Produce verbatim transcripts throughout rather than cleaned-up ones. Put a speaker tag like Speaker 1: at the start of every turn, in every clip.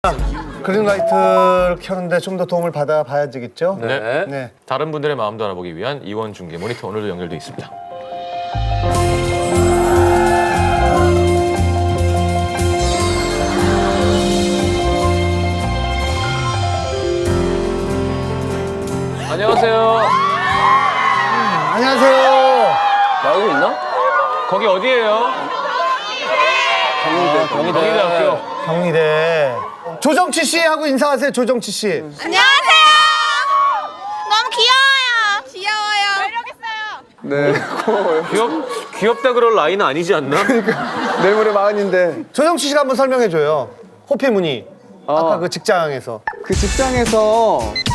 Speaker 1: 그린라이트를 켜는데 좀 더 도움을 받아 봐야겠죠?
Speaker 2: 네.
Speaker 1: 네.
Speaker 2: 다른 분들의 마음도 알아보기 위한 이원 중계 모니터 오늘도 연결돼 있습니다. 안녕하세요.
Speaker 1: 음, 안녕하세요.
Speaker 3: 나오고 있나?
Speaker 2: 거기 어디예요?
Speaker 3: 경희대, 경희대.
Speaker 2: 경희대학교.
Speaker 1: 경희대. 조정치 씨 하고 인사하세요. 조정치 씨.
Speaker 4: 안녕하세요. 너무 귀여워요. 귀여워요. 매력 있어요.
Speaker 3: 네, 고마워요.
Speaker 2: 귀엽 귀엽다 그럴 나이는 아니지 않나?
Speaker 3: 내일 모레 마흔인데
Speaker 1: 조정치 씨가 한번 설명해 줘요. 호피무늬.
Speaker 3: 아.
Speaker 1: 아까 그 직장에서.
Speaker 3: 그 직장에서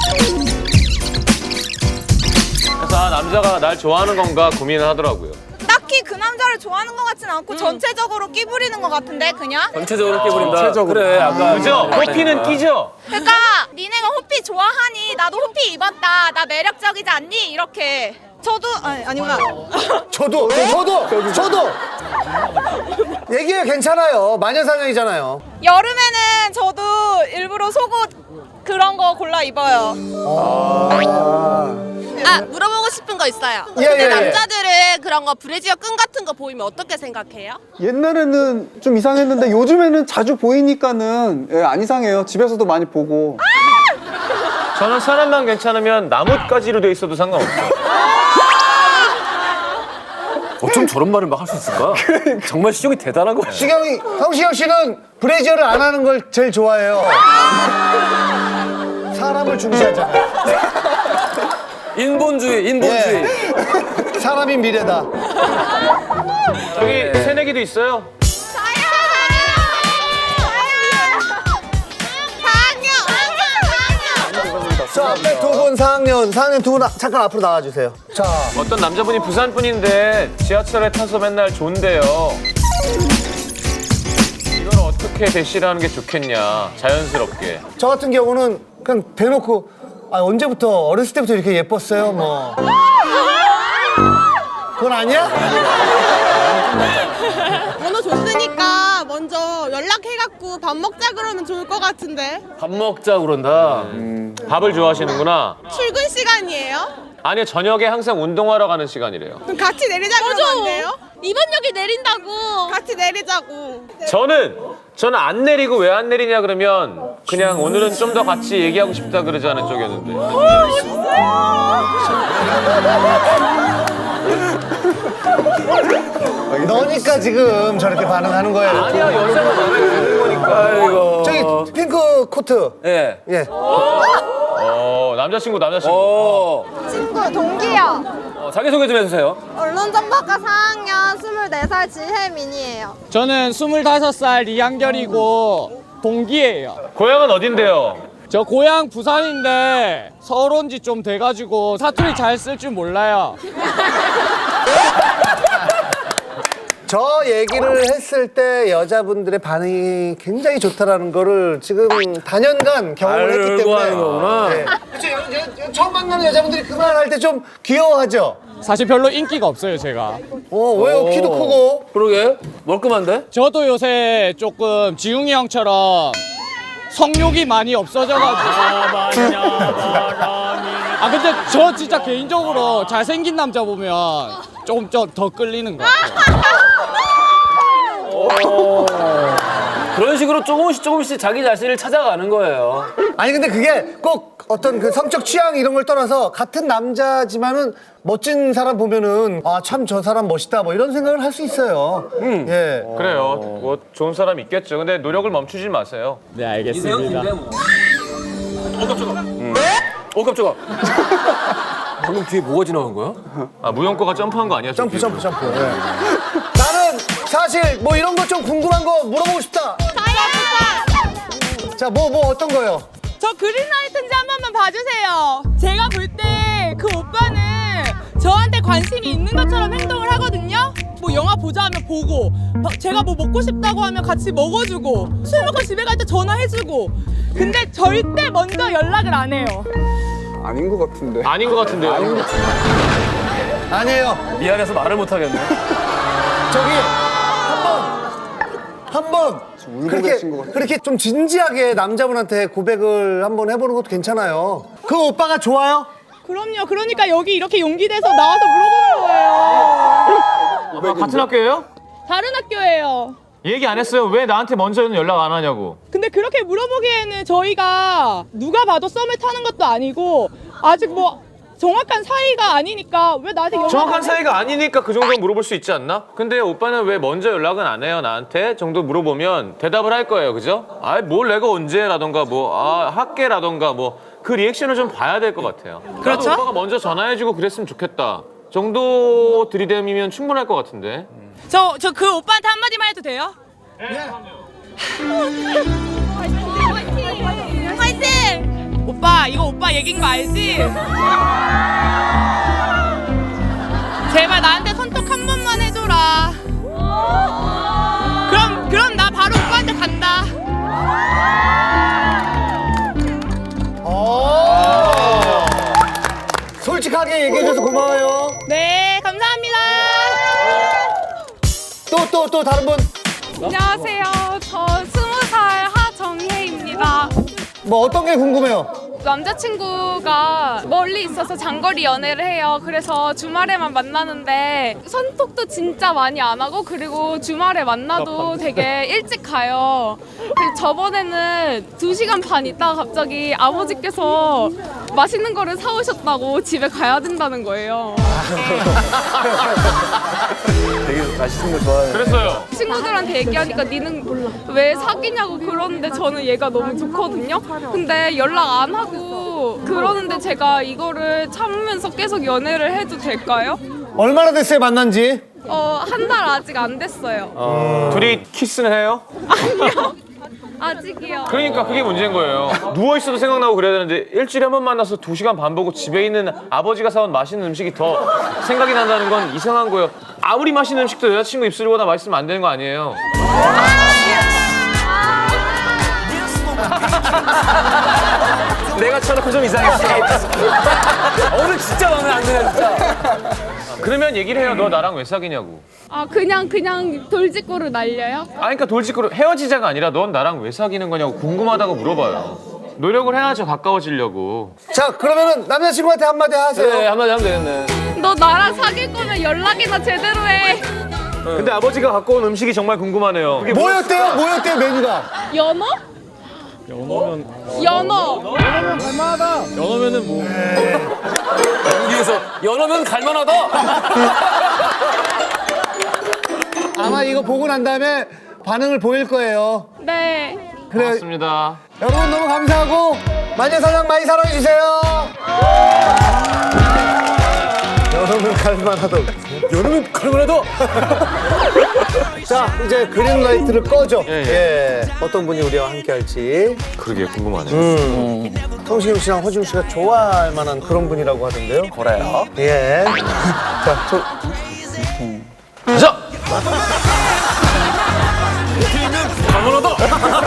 Speaker 2: 그래서 아, 남자가 날 좋아하는 건가 고민을 하더라고요.
Speaker 4: 딱히 그 남자를 좋아하는 것 같진 않고 전체적으로 끼 부리는 것 같은데 그냥?
Speaker 5: 전체적으로 끼부린다.
Speaker 3: 전체적으로.
Speaker 5: 그래, 아까
Speaker 2: 그죠? 호피는 끼죠?
Speaker 4: 그러니까 니네가 호피 좋아하니 나도 호피 입었다. 나 매력적이지 않니? 이렇게. 저도 아니 아니구나.
Speaker 1: 저도, 저도, 저도. 얘기해 괜찮아요. 마녀사냥이잖아요.
Speaker 4: 여름에는 저도 일부러 속옷 그런 거 골라 입어요.
Speaker 6: 아, 물어보고 싶은 거 있어요.
Speaker 1: 예,
Speaker 6: 근데
Speaker 1: 예, 예.
Speaker 6: 남자들은 그런 거 브래지어 끈 같은 거 보이면 어떻게 생각해요?
Speaker 3: 옛날에는 좀 이상했는데 요즘에는 자주 보이니까는 예, 안 이상해요. 집에서도 많이 보고.
Speaker 2: 저는 사람만 괜찮으면 나뭇가지로 돼 있어도 상관없어요.
Speaker 5: 어쩜 저런 말을 막 할 수 있을까? 정말 시경이 대단한 거야.
Speaker 1: 시경이, 성시경 씨는 브래지어를 안 하는 걸 제일 좋아해요. 사람을 중시하잖아요.
Speaker 5: 인본주의, 인본주의.
Speaker 1: 예. 사람이 미래다.
Speaker 2: 저기 새내기도 있어요.
Speaker 1: 저 앞에 두 분 사 학년, 사 학년 두 분 잠깐 앞으로 나와주세요. 자,
Speaker 2: 어떤 남자분이 부산 분인데 지하철에 타서 맨날 존대요. 이걸 어떻게 대시를 하는 게 좋겠냐, 자연스럽게.
Speaker 1: 저 같은 경우는 그냥 대놓고 아, 언제부터 어렸을 때부터 이렇게 예뻤어요, 뭐. 그건 아니야?
Speaker 6: 번호 줬으니까 먼저 연락해갖고 밥 먹자 그러면 좋을 것 같은데.
Speaker 5: 밥 먹자 그런다.
Speaker 2: 밥을 좋아하시는구나.
Speaker 6: 출근 시간이에요?
Speaker 2: 아니요, 저녁에 항상 운동하러 가는 시간이래요.
Speaker 6: 그럼 같이 내리자 그러면 안 돼요? 이번역에 내린다고. 같이 내리자고.
Speaker 2: 저는 저는 안 내리고 왜 안 내리냐 그러면 그냥 오늘은 좀 더 같이 얘기하고 싶다 그러지 않은 쪽이었는데.
Speaker 1: 너니까 지금 저렇게 반응하는 거예요.
Speaker 2: 아니야, 여자가 나는 거니까.
Speaker 5: 아이고.
Speaker 1: 저기 핑크 코트.
Speaker 5: 예.
Speaker 1: 예.
Speaker 2: 어, 남자친구 남자친구.
Speaker 5: 어.
Speaker 4: 친구 동기요.
Speaker 5: 어, 자기소개 좀 해주세요.
Speaker 4: 언론정보과 사 학년 스물네 살 지혜민이에요.
Speaker 7: 저는 스물다섯 살 이한결이고 동기예요.
Speaker 2: 고향은 어딘데요?
Speaker 7: 저 고향 부산인데 서울 온 지 좀 돼가지고 사투리 잘 쓸 줄 몰라요.
Speaker 1: 저 얘기를 했을 때 여자분들의 반응이 굉장히 좋다라는 거를 지금 다년간 경험을 했기
Speaker 5: 알고
Speaker 1: 때문에.
Speaker 5: 하는 거구나.
Speaker 1: 네. 그렇죠. 여- 여- 처음 만나는 여자분들이 그 말 할 때 좀 귀여워하죠.
Speaker 7: 사실 별로 인기가 없어요, 제가.
Speaker 1: 어, 왜요? 키도 크고.
Speaker 5: 그러게. 멀끔한데?
Speaker 7: 저도 요새 조금 지웅이 형처럼 성욕이 많이 없어져가지고. 아 근데 저 진짜 개인적으로 잘생긴 남자 보면 조금 좀 더 끌리는 것 같아요.
Speaker 5: 그런 식으로 조금씩 조금씩 자기 자신을 찾아가는 거예요.
Speaker 1: 아니 근데 그게 꼭 어떤 그 성적 취향 이런 걸 떠나서 같은 남자지만은 멋진 사람 보면은 아 참 저 사람 멋있다 뭐 이런 생각을 할 수 있어요. 예.
Speaker 2: 그래요. 뭐 좋은 사람 있겠죠. 근데 노력을 멈추지 마세요.
Speaker 7: 네, 알겠습니다.
Speaker 5: 어, 깜짝아. 방금 뒤에 뭐가 지나간 거야?
Speaker 2: 아, 무용과가 점프한 거 아니야? 저
Speaker 1: 점프
Speaker 2: 뒤로?
Speaker 1: 점프 점프. 예. 나는 사실 뭐 이런 거 좀 궁금한 거 물어보고 싶다. 자, 뭐 뭐 어떤 거요?
Speaker 8: 저 그린라이트인지 한 번만 봐주세요. 제가 볼 때 그 오빠는 저한테 관심이 있는 것처럼 행동을 하거든요. 뭐 영화 보자 하면 보고, 바- 제가 뭐 먹고 싶다고 하면 같이 먹어주고, 술 먹고 집에 갈 때 전화해주고. 근데 절대 먼저 연락을 안 해요.
Speaker 3: 아닌 것 같은데.
Speaker 2: 아닌 것 같은데요.
Speaker 1: 아니에요.
Speaker 5: 미안해서 말을 못 하겠네.
Speaker 1: 저기 한번 한번
Speaker 3: 울고
Speaker 1: 그렇게
Speaker 3: 계신 것 같아요.
Speaker 1: 그렇게 좀 진지하게 남자분한테 고백을 한번 해보는 것도 괜찮아요. 그 오빠가 좋아요?
Speaker 8: 그럼요. 그러니까 여기 이렇게 용기 내서 나와서 물어보는 거예요.
Speaker 2: 아, 같은 학교예요?
Speaker 8: 다른 학교예요.
Speaker 2: 얘기 안 했어요. 왜 나한테 먼저는 연락 안 하냐고.
Speaker 8: 근데 그렇게 물어보기에는 저희가 누가 봐도 썸을 타는 것도 아니고 아직 뭐 정확한 사이가 아니니까 왜 나한테 연락
Speaker 2: 정확한
Speaker 8: 안 해?
Speaker 2: 사이가 아니니까 그 정도 물어볼 수 있지 않나? 근데 오빠는 왜 먼저 연락은 안 해요 나한테? 정도 물어보면 대답을 할 거예요, 그죠? 아이 뭘 내가 언제라던가 뭐 아 학계라던가 뭐 그 리액션을 좀 봐야 될 것 같아요.
Speaker 8: 그렇죠?
Speaker 2: 나도 오빠가 먼저 전화해주고 그랬으면 좋겠다 정도 들이댐이면 충분할 것 같은데.
Speaker 8: 저, 저 그 오빠한테 한마디만 해도 돼요?
Speaker 4: 화이팅!
Speaker 8: 오빠 이거 오빠 얘기인 거 알지? 제발 나한테 손톱 한 번만 해줘라. 그럼 그럼 나 바로 오빠한테 간다.
Speaker 1: 오. 솔직하게 얘기해줘서 고마워요.
Speaker 8: 네 감사합니다.
Speaker 1: 또 또 또 다른 분
Speaker 4: 안녕하세요. 저 스무 살 하정혜입니다.
Speaker 1: 뭐 어떤 게 궁금해요?
Speaker 4: 남자친구가 멀리 있어서 장거리 연애를 해요. 그래서 주말에만 만나는데 손톱도 진짜 많이 안 하고 그리고 주말에 만나도 되게 일찍 가요. 그래서 저번에는 두 시간 반 있다가 갑자기 아버지께서 맛있는 거를 사오셨다고 집에 가야 된다는 거예요.
Speaker 2: 그랬어요.
Speaker 4: 친구들한테 얘기하니까 니는 왜 사귀냐고 그러는데 저는 얘가 너무 좋거든요. 근데 연락 안 하고 그러는데 제가 이거를 참으면서 계속 연애를 해도 될까요?
Speaker 1: 얼마나 됐어요 만난지?
Speaker 4: 어, 한 달 아직 안 됐어요.
Speaker 2: 둘이 키스는 해요?
Speaker 4: 아니요. 아직이요.
Speaker 2: 그러니까 그게 문제인 거예요. 누워 있어도 생각나고 그래야 되는데 일주일에 한 번 만나서 두 시간 반 보고 집에 있는 아버지가 사온 맛있는 음식이 더 생각이 난다는 건 이상한 거예요. 아무리 맛있는 음식도 여자친구 입술보다 맛있으면 안 되는 거 아니에요. 내가 쳐놓고 좀 이상했어.
Speaker 5: 오늘 진짜 마음에 안 드네 진짜.
Speaker 2: 그러면 얘기를 해요. 너 나랑 왜 사귀냐고.
Speaker 4: 아, 그냥 그냥 돌직구를 날려요?
Speaker 2: 아, 그러니까 돌직구로 헤어지자가 아니라 넌 나랑 왜 사귀는 거냐고 궁금하다고 물어봐요. 노력을 해야죠, 가까워지려고.
Speaker 1: 자 그러면은 남자친구한테 한마디 하세요.
Speaker 5: 그래 한마디 하면 되겠네.
Speaker 4: 너 나랑 사귈 거면 연락이나 제대로 해.
Speaker 2: 근데 아버지가 갖고 온 음식이 정말 궁금하네요. 그게
Speaker 1: 뭐였대요? 뭐였대요 메뉴가?
Speaker 4: 연어?
Speaker 7: 연어면
Speaker 4: 연어.
Speaker 7: 연어면은 뭐
Speaker 5: 여기에서 연어면 갈만하다.
Speaker 1: 아마 이거 보고 난 다음에 반응을 보일 거예요.
Speaker 4: 네.
Speaker 1: 그래
Speaker 2: 맞습니다.
Speaker 1: 여러분 너무 감사하고 마녀사냥 많이 사랑해주세요. 여러분 갈만하다.
Speaker 5: 연어면 갈만하다.
Speaker 1: 자 이제 그린라이트를 꺼죠.
Speaker 2: 예, 예.
Speaker 1: 예. 어떤 분이 우리와 함께 할지.
Speaker 2: 그러게 궁금하네.
Speaker 1: 음. 성시경 씨랑 허지웅 씨가 좋아할 만한 그런 분이라고 하던데요.
Speaker 5: 그래요?
Speaker 1: 예. 자, 저,
Speaker 5: 자. 갈만하다.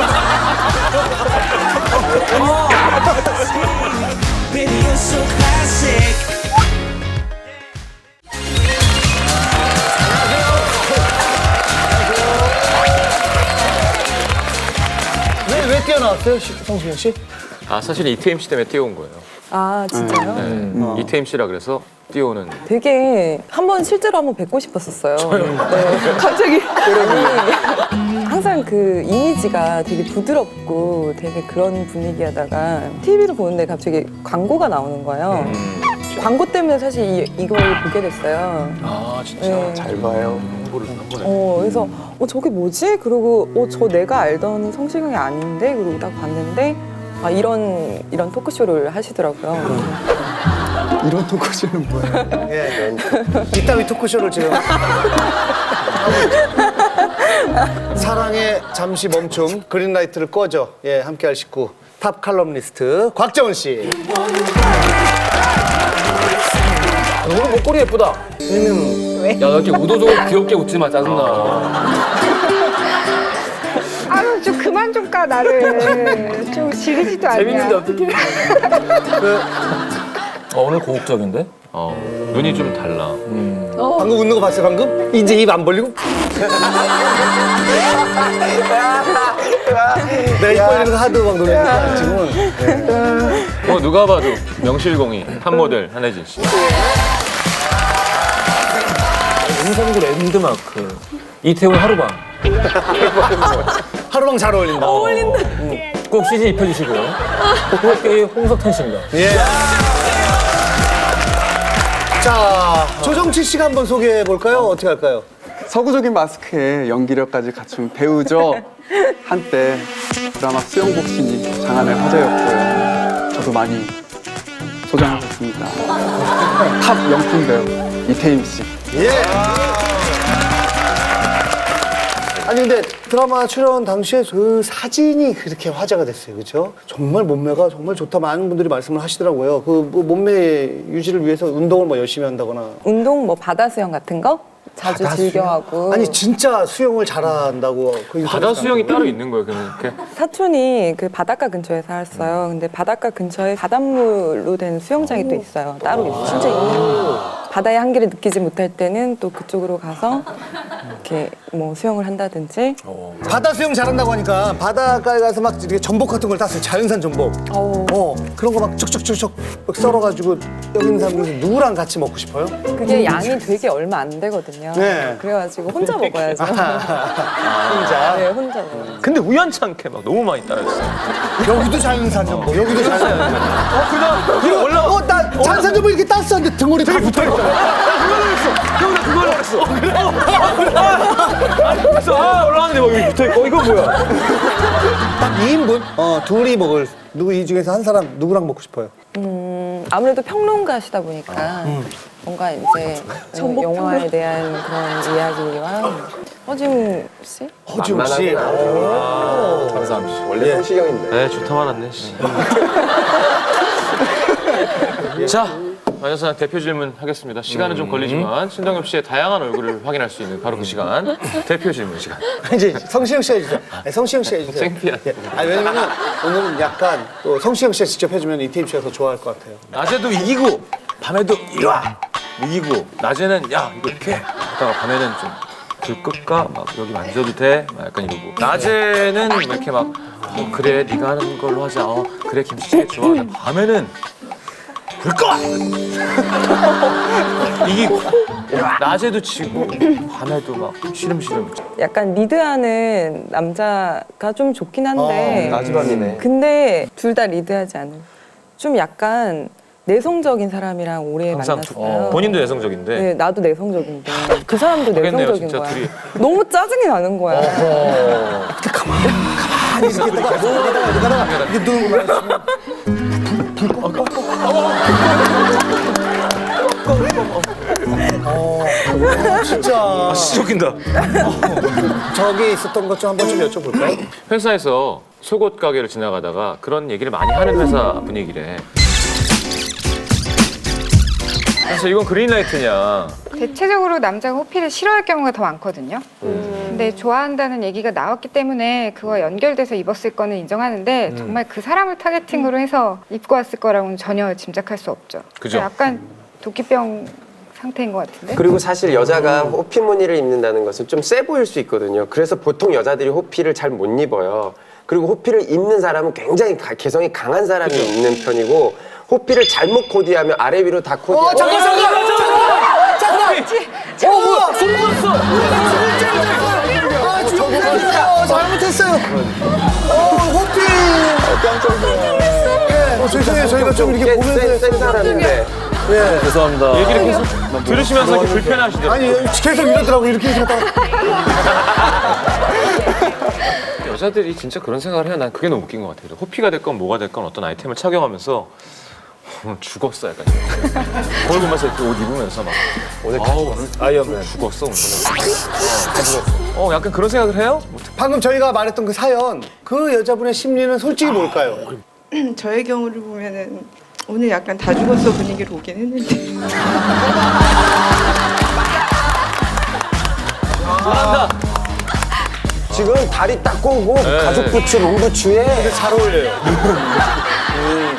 Speaker 1: 왜, 왜 뛰어나왔어요, 시- 성시경 씨?
Speaker 2: 아, 사실 이태임 씨 때문에 뛰어온 거예요.
Speaker 9: 아 진짜요?
Speaker 2: 네. 이태임 씨라 그래서 뛰어오는.
Speaker 9: 되게 한번 실제로 한번 뵙고 싶었었어요. 네. 갑자기 아니, 항상 그 이미지가 되게 부드럽고 되게 그런 분위기하다가 티비를 보는데 갑자기 광고가 나오는 거예요. 광고 때문에 사실 이, 이걸 보게 됐어요.
Speaker 2: 아, 진짜
Speaker 9: 네.
Speaker 2: 잘 봐요. 홍보를 한 번에.
Speaker 9: 어, 그래서 어 저게 뭐지? 그리고 어 저 내가 알던 성시경이 아닌데 그리고 딱 봤는데 아 이런 이런 토크쇼를 하시더라고요.
Speaker 3: 이런 토크쇼는 뭐예요?
Speaker 1: 예. 이따위 토크쇼를 지금. 사랑에 잠시 멈춤, 그린라이트를 꺼줘. 예, 함께 할 식구. 탑 칼럼니스트 곽정은 씨.
Speaker 5: 오늘 목걸이 예쁘다. 야, 너 이렇게 우도적으로 귀엽게 웃지 마. 짜증나.
Speaker 10: 아유 좀 그만 좀 까 나를 좀 지르지도 않냐.
Speaker 5: 재밌는데 어떡해. 어, 오늘 고혹적인데?
Speaker 2: 어, 눈이 좀 달라.
Speaker 1: 방금 웃는 거 봤어요, 방금? 이제 입 안 벌리고? 내가 입 벌리는 거 하도 막 놀래니까 지금은. 네.
Speaker 2: 어, 누가 봐도 명실공히 한 모델 한혜진 씨.
Speaker 5: 음성도 랜드마크. 이태원 하루방.
Speaker 1: 하루방 잘 어울린다.
Speaker 9: 어울린다.
Speaker 5: 꼭 씨지 입혀주시고요. 호흡계의 홍석탄 씨입니다.
Speaker 1: 예. 자, 조정치 씨가 한번 소개해 볼까요? 어떻게 할까요?
Speaker 3: 서구적인 마스크에 연기력까지 갖춘 배우죠. 한때 드라마 수영복신이 장안의 화제였고요. 저도 많이 소장하셨습니다. 탑 명품 배우 이태임 씨.
Speaker 1: 예. 아니 근데 드라마 출연 당시에 그 사진이 그렇게 화제가 됐어요, 그렇죠? 정말 몸매가 정말 좋다 많은 분들이 말씀을 하시더라고요. 그 뭐 몸매 유지를 위해서 운동을 뭐 열심히 한다거나.
Speaker 9: 운동 뭐 바다 수영 같은 거 자주
Speaker 1: 바다
Speaker 9: 즐겨
Speaker 1: 수영?
Speaker 9: 하고.
Speaker 1: 아니 진짜 수영을 잘한다고. 그
Speaker 2: 바다 수영이 따로 있는 거예요, 그냥 이렇게.
Speaker 9: 사촌이 그 바닷가 근처에 살았어요. 근데 바닷가 근처에 바닷물로 된 수영장이 또 있어요. 따로 있어요. 진짜 있어요. 바다의 한기를 느끼지 못할 때는 또 그쪽으로 가서 이렇게 뭐 수영을 한다든지.
Speaker 1: 바다 수영 잘한다고 하니까 바닷가에 가서 막 이렇게 전복 같은 걸 땄어요. 자연산 전복.
Speaker 9: 어우.
Speaker 1: 어 그런 거 막 척척척척 막 썰어가지고 여기 있는 사람 중에서 누구랑 같이 먹고 싶어요?
Speaker 9: 그게 양이 되게 얼마 안 되거든요.
Speaker 1: 네.
Speaker 9: 그래가지고 혼자 먹어야죠.
Speaker 1: 혼자.
Speaker 9: 네, 혼자 먹어요.
Speaker 2: 근데 우연찮게 막 너무 많이 따라했어요.
Speaker 1: 여기도 자연산 전복. 여기도 자연산 전복.
Speaker 2: 어, 그냥, 그냥 올라가.
Speaker 1: 어, 나 자연산 전복 이렇게 땄었는데 등골이 다 붙어있잖아.
Speaker 2: 형, 나 그걸 했어. 아니, 그래서 아, 올라왔는데 막 여기 붙어있고, 이거 뭐야?
Speaker 1: 딱 이 인분? 어, 둘이 먹을. 누구 이 중에서 한 사람 누구랑 먹고 싶어요?
Speaker 9: 음, 아무래도 평론가시다 보니까 뭔가 이제 영화에 대한 그런 이야기와 허지웅 씨?
Speaker 1: 허지웅 씨.
Speaker 5: 감사합니다. 원래 성시경인데.
Speaker 2: 네, 좋다 말았네, 씨. 자, 마녀사냥 대표 질문 하겠습니다. 시간은 좀 걸리지만 신동엽 씨의 다양한 얼굴을 확인할 수 있는 바로 그 시간. 대표 질문 시간.
Speaker 1: 이제 성시경 씨 해주세요. 아니, 성시경 씨 해주세요.
Speaker 2: 창피하네.
Speaker 1: 예. 아니, 왜냐면은 오늘은 약간 또 성시경 씨가 직접 해주면 이태임 씨가 더 좋아할 것 같아요.
Speaker 2: 낮에도 이기고 밤에도 이리 와 이기고 낮에는 야 이거 이렇게 하다가 밤에는 좀 불 끌까 막 여기 만져도 돼 막 약간 이러고 낮에는 막 이렇게 막 어, 그래 네가 하는 걸로 하자 어 그래 김치찌개 좋아 근데 밤에는 불 꺼 이기고 낮에도 지고 밤에도 막 시름시름
Speaker 9: 약간 리드하는 남자가 좀 좋긴 한데
Speaker 5: 나지밤이네.
Speaker 9: 근데 둘 다 리드하지 않은 좀 약간 내성적인 사람이랑 오래
Speaker 2: 항상
Speaker 9: 만났어요.
Speaker 2: 본인도 내성적인데
Speaker 9: 네, 나도 내성적인데 그 사람도
Speaker 2: 하겠네요,
Speaker 9: 내성적인
Speaker 2: 진짜
Speaker 9: 거야.
Speaker 2: 둘이.
Speaker 9: 너무 짜증이 나는 거야.
Speaker 1: 가만히 이렇게 있다가 이렇게 하다가 이렇게 누는 거만 있으면 불 꺼. 어, 진짜.
Speaker 2: 시적인다
Speaker 1: 저기 있었던 것 좀 한번 좀 여쭤볼까요?
Speaker 2: 회사에서 속옷 가게를 지나가다가 그런 얘기를 많이 하는 회사 분위기래 그래서 이건 그린라이트냐
Speaker 10: 대체적으로 남자가 호피를 싫어할 경우가 더 많거든요. 근데 좋아한다는 얘기가 나왔기 때문에 그거와 연결돼서 입었을 거는 인정하는데 정말 그 사람을 타겟팅으로 해서 입고 왔을 거라고는 전혀 짐작할 수 없죠.
Speaker 2: 그죠?
Speaker 10: 약간 도끼병 상태인 것 같은데.
Speaker 11: 그리고 사실 여자가 호피 무늬를 입는다는 것은 좀 세 보일 수 있거든요. 그래서 보통 여자들이 호피를 잘 못 입어요. 그리고 호피를 입는 사람은 굉장히 가- 개성이 강한 사람이
Speaker 2: 그죠?
Speaker 11: 입는 편이고 호피를 잘못 코디하면 아래 위로 다 코디.
Speaker 1: 어, 잠깐, 잠깐, 잠깐, 잠깐, 잠깐. 어, 뭐야? 소리 났어. 아, 주먹 잘못했어요. 어, 호피. 깜짝이야. 어, 죄송해요. 저희가 좀 이렇게
Speaker 11: 센,
Speaker 1: 보면서
Speaker 11: 센 사람인데.
Speaker 1: 예.
Speaker 5: 죄송합니다.
Speaker 2: 얘기를 계속 들으시면서 이렇게 불편하시더라고요
Speaker 1: 아니 계속 이러더라고 이렇게 이렇게 하다가
Speaker 2: 여자들이 진짜 그런 생각을 해요. 난 그게 너무 웃긴 것 같아요. 호피가 됐건 뭐가 됐건 어떤 아이템을 착용하면서 오늘 죽었어 약간 거울 보면서 이렇게 옷 입으면서 막 오늘 아우 아이언맨 죽었어 오늘 어, 어 약간 그런 생각을 해요?
Speaker 1: 방금 저희가 말했던 그 사연 그 여자분의 심리는 솔직히 뭘까요?
Speaker 12: 저의 경우를 보면은 오늘 약간 다 죽었어 분위기로 오긴 했는데
Speaker 11: 지금 다리 딱 꼬고
Speaker 2: 네.
Speaker 11: 가죽 부츠, 롱부츠에
Speaker 1: 잘 어울려요.